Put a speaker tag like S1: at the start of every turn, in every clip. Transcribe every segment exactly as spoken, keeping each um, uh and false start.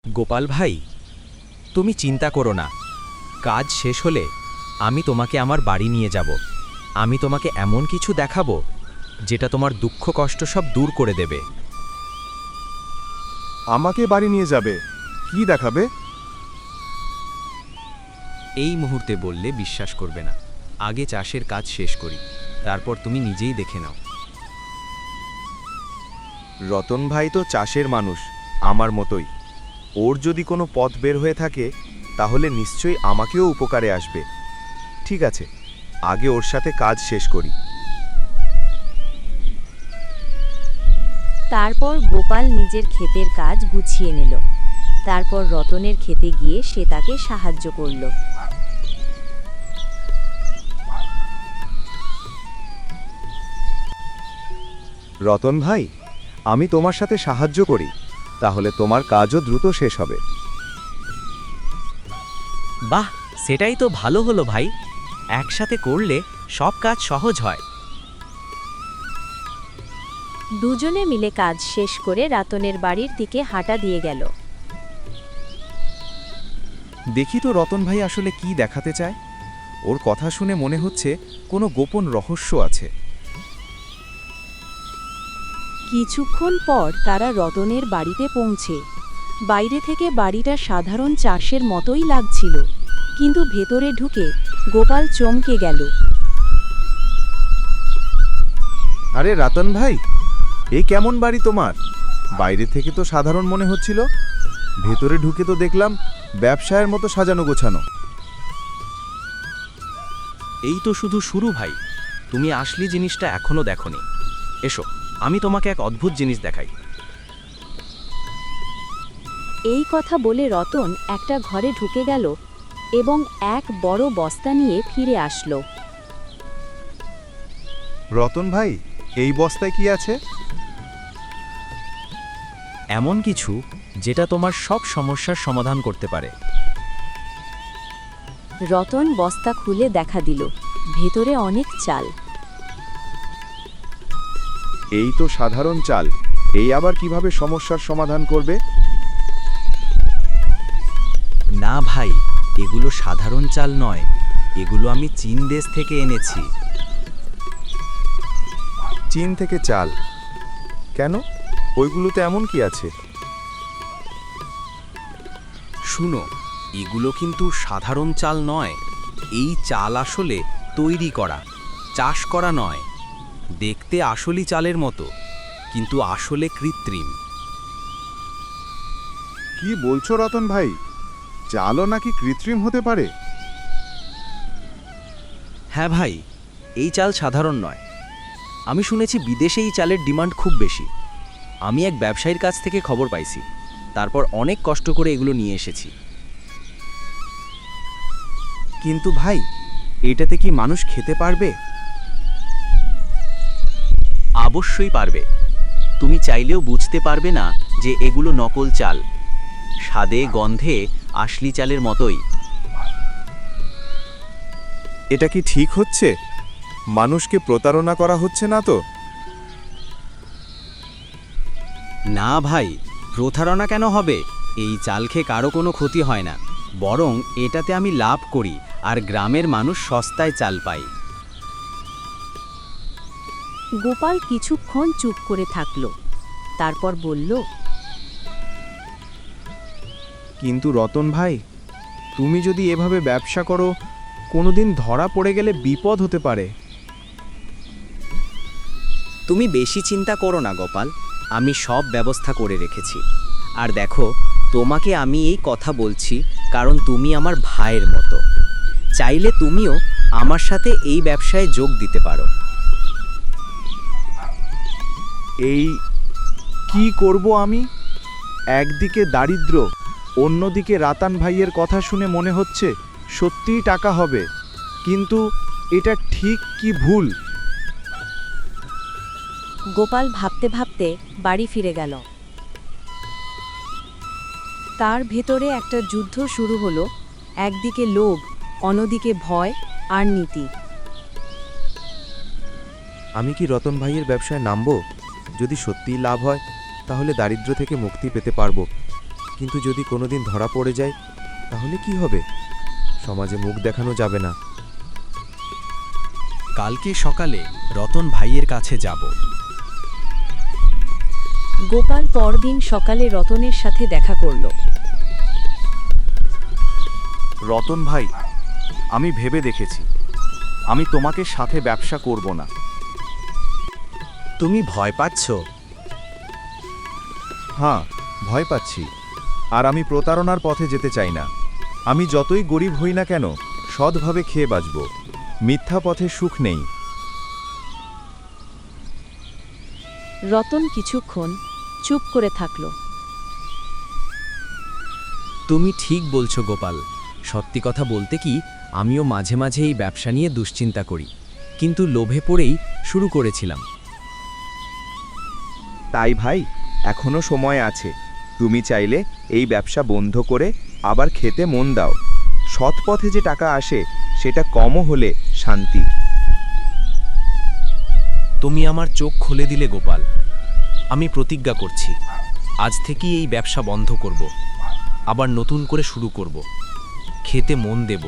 S1: গোপাল ভাই, তুমি চিন্তা করো না। কাজ শেষ হলে আমি তোমাকে আমার বাড়ি নিয়ে যাব। আমি তোমাকে এমন কিছু দেখাবো যেটা তোমার দুঃখ কষ্ট সব দূর করে দেবে।
S2: আমাকে বাড়ি নিয়ে যাবে? কি দেখাবে?
S1: এই মুহূর্তে বললে বিশ্বাস করবে না। আগে চাষের কাজ শেষ করি, তারপর তুমি নিজেই দেখে নাও।
S2: রতন ভাই তো চাষের মানুষ, আমার মতোই। ওর যদি কোনো পথ বের হয়ে থাকে তাহলে নিশ্চয়ই আমাকেও উপকারে আসবে। ঠিক আছে, আগে ওর সাথে কাজ শেষ করি।
S3: তারপর গোপাল নিজের ক্ষেতের কাজ গুছিয়ে নিল। তারপর রতনের ক্ষেতে গিয়ে সে তাকে সাহায্য করল।
S2: রতন ভাই, আমি তোমার সাথে সাহায্য করি, তাহলে তোমার কাজও দ্রুত শেষ হবে।
S1: বাহ, সেটাই তো ভালো হলো ভাই। একসাথে করলে সব কাজ সহজ হয়।
S3: দুজনে মিলে কাজ শেষ করে রতনের বাড়ির দিকে হাঁটা দিয়ে গেল।
S2: দেখি তো রতন ভাই আসলে কি দেখাতে চায়। ওর কথা শুনে মনে হচ্ছে কোনো গোপন রহস্য আছে।
S3: কিছুক্ষণ পর তারা রতনের বাড়িতে পৌঁছে। বাইরে থেকে বাড়িটা সাধারণ চাষের মতোই লাগছিল, কিন্তু ভেতরে ঢুকে গোপাল চমকে গেল।
S2: আরে রতন ভাই, এই কেমন বাড়ি তোমার? বাইরে থেকে তো সাধারণ মনে হচ্ছিল, ভেতরে ঢুকে তো দেখলাম ব্যবসায়ের মতো সাজানো গোছানো।
S1: এই তো শুধু শুরু ভাই, তুমি আসলি জিনিসটা এখনো দেখোনি। এসো, আমি তোমাকে এক অদ্ভুত জিনিস দেখাই।
S3: এই কথা বলে রতন একটা ঘরে ঢুকে গেল এবং এক বড় বস্তা নিয়ে ফিরে আসলো।
S2: রতন ভাই, এই বস্তায় কি আছে?
S1: এমন কিছু যেটা তোমার সব সমস্যার সমাধান করতে পারে।
S3: রতন বস্তা খুলে দেখা দিল, ভেতরে অনেক চাল।
S2: এই তো সাধারণ চাল, এই আবার কিভাবে সমস্যার সমাধান করবে?
S1: না ভাই, এগুলো সাধারণ চাল নয়, এগুলো আমি চীন দেশ থেকে এনেছি।
S2: চীন থেকে চাল? কেন, ওইগুলোতে এমন কি আছে?
S1: শুনো, এগুলো কিন্তু সাধারণ চাল নয়। এই চাল আসলে তৈরি করা, চাষ করা নয়। দেখতে আসলি চালের মতো, কিন্তু আসলে কৃত্রিম।
S2: কি বলছো রতন ভাই? চালও নাকি কৃত্রিম হতে পারে?
S1: হ্যাঁ ভাই, এই চাল সাধারণ নয়। আমি শুনেছি বিদেশে এই চালের ডিমান্ড খুব বেশি। আমি এক ব্যবসায়ীর কাছ থেকে খবর পাইছি, তারপর অনেক কষ্ট করে এগুলো নিয়ে এসেছি।
S2: কিন্তু ভাই, এটাতে কি মানুষ খেতে পারবে?
S1: অবশ্যই পারবে। তুমি চাইলেও বুঝতে পারবে না যে এগুলো নকল চাল। স্বাদে গন্ধে আসলি চালের মতোই।
S2: এটা কি ঠিক হচ্ছে? মানুষকে প্রতারণা করা হচ্ছে না তো?
S1: না ভাই, প্রতারণা কেন হবে? এই চাল খেয়ে কারো কোনো ক্ষতি হয় না, বরং এটাতে আমি লাভ করি আর গ্রামের মানুষ সস্তায় চাল পায়।
S3: গোপাল কিছুক্ষণ চুপ করে থাকল, তারপর বলল,
S2: কিন্তু রতন ভাই, তুমি যদি এভাবে ব্যবসা করো, কোনোদিন ধরা পড়ে গেলে বিপদ হতে পারে।
S1: তুমি বেশি চিন্তা করো না গোপাল, আমি সব ব্যবস্থা করে রেখেছি। আর দেখো, তোমাকে আমি এই কথা বলছি কারণ তুমি আমার ভাইয়ের মতো। চাইলে তুমিও আমার সাথে এই ব্যবসায় যোগ দিতে পারো।
S2: এই কি করব আমি? একদিকে দারিদ্র, অন্যদিকে রাতান ভাইয়ের কথা শুনে মনে হচ্ছে সত্যিই টাকা হবে, কিন্তু এটা ঠিক কি ভুল?
S3: গোপাল ভাবতে ভাবতে বাড়ি ফিরে গেল। তার ভেতরে একটা যুদ্ধ শুরু হলো, একদিকে লোভ, অন্যদিকে ভয় আর নীতি।
S2: আমি কি রতন ভাইয়ের ব্যবসায় নামবো? যদি সত্যিই লাভ হয় তাহলে দারিদ্র্য থেকে মুক্তি পেতে পারবো,
S4: কিন্তু যদি কোনোদিন ধরা পড়ে যায় তাহলে কি হবে? সমাজে মুখ দেখানো যাবে না।
S1: কালকে সকালে রতন ভাইয়ের কাছে যাব।
S3: গোপাল পরদিন সকালে রতনের সাথে দেখা করল।
S2: রতন ভাই, আমি ভেবে দেখেছি, আমি তোমাকে সাথে ব্যবসা করব না।
S1: তুমি ভয় পাচ্ছ?
S2: হ্যাঁ, ভয় পাচ্ছি। আর আমি প্রতারণার পথে যেতে চাই না। আমি যতই গরিব হই না কেন, সৎভাবে খেয়ে বাঁচব। মিথ্যা পথে সুখ নেই।
S3: রতন কিছুক্ষণ চুপ করে থাকল।
S1: তুমি ঠিক বলছো গোপাল। সত্যি কথা বলতে কি, আমিও মাঝে মাঝে এই ব্যবসা নিয়ে দুশ্চিন্তা করি, কিন্তু লোভে পড়েই শুরু করেছিলাম।
S2: তাই ভাই, এখনো সময় আছে। তুমি চাইলে এই ব্যবসা বন্ধ করে আবার খেতে মন দাও। সৎ পথে যে টাকা আসে সেটা কমও হলে শান্তি।
S1: তুমি আমার চোখ খুলে দিলে গোপাল। আমি প্রতিজ্ঞা করছি, আজ থেকেই এই ব্যবসা বন্ধ করব, আবার নতুন করে শুরু করব, খেতে মন দেব।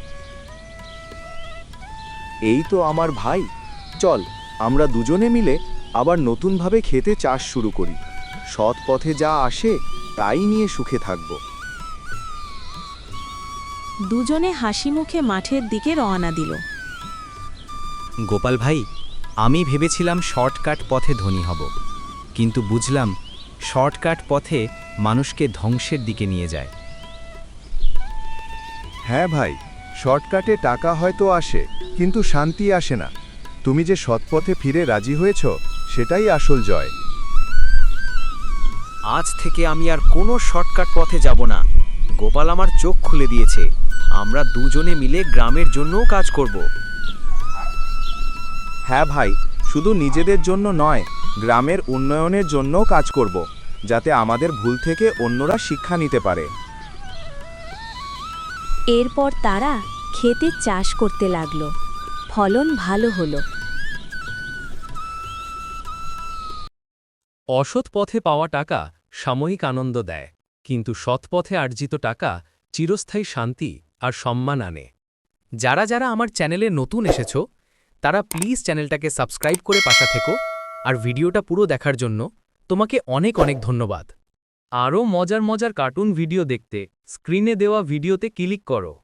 S2: এই তো আমার ভাই। চল, আমরা দুজনে মিলে আবার নতুনভাবে খেতে চাষ শুরু করি। সৎ পথে যা আসে তাই নিয়ে সুখে থাকব।
S3: দুজনে হাসি মুখে মাঠের দিকে রওনা দিল।
S1: গোপাল ভাই, আমি ভেবেছিলাম শর্টকাট পথে ধনী হব, কিন্তু বুঝলাম শর্টকাট পথে মানুষকে ধ্বংসের দিকে নিয়ে যায়।
S2: হ্যাঁ ভাই, শর্টকাটে টাকা হয়তো আসে, কিন্তু শান্তি আসে না। তুমি যে সৎপথে ফিরে রাজি হয়েছ, সেটাই আসল জয়।
S1: আজ থেকে আমি আর কোনো শর্টকাট পথে যাব না। গোপাল আমার চোখ খুলে দিয়েছে। আমরা দুজনে মিলে গ্রামের জন্যও কাজ করব।
S2: হ্যাঁ ভাই, শুধু নিজেদের জন্য নয়, গ্রামের উন্নয়নের জন্যও কাজ করব, যাতে আমাদের ভুল থেকে অন্যরা শিক্ষা নিতে পারে।
S3: এরপর তারা খেতে চাষ করতে লাগলো। ফলন ভালো হলো।
S5: অসৎ পথে পাওয়া টাকা সাময়িক আনন্দ দেয়, কিন্তু সৎ পথে আর্জিত টাকা চিরস্থায়ী শান্তি আর সম্মান আনে। যারা যারা আমার চ্যানেলে নতুন এসেছো তারা প্লিজ চ্যানেলটাকে সাবস্ক্রাইব করে পাশে থেকো, আর ভিডিওটা পুরো দেখার জন্য তোমাকে অনেক অনেক ধন্যবাদ। আরও মজার মজার কার্টুন ভিডিও দেখতে স্ক্রিনে দেওয়া ভিডিওতে ক্লিক করো।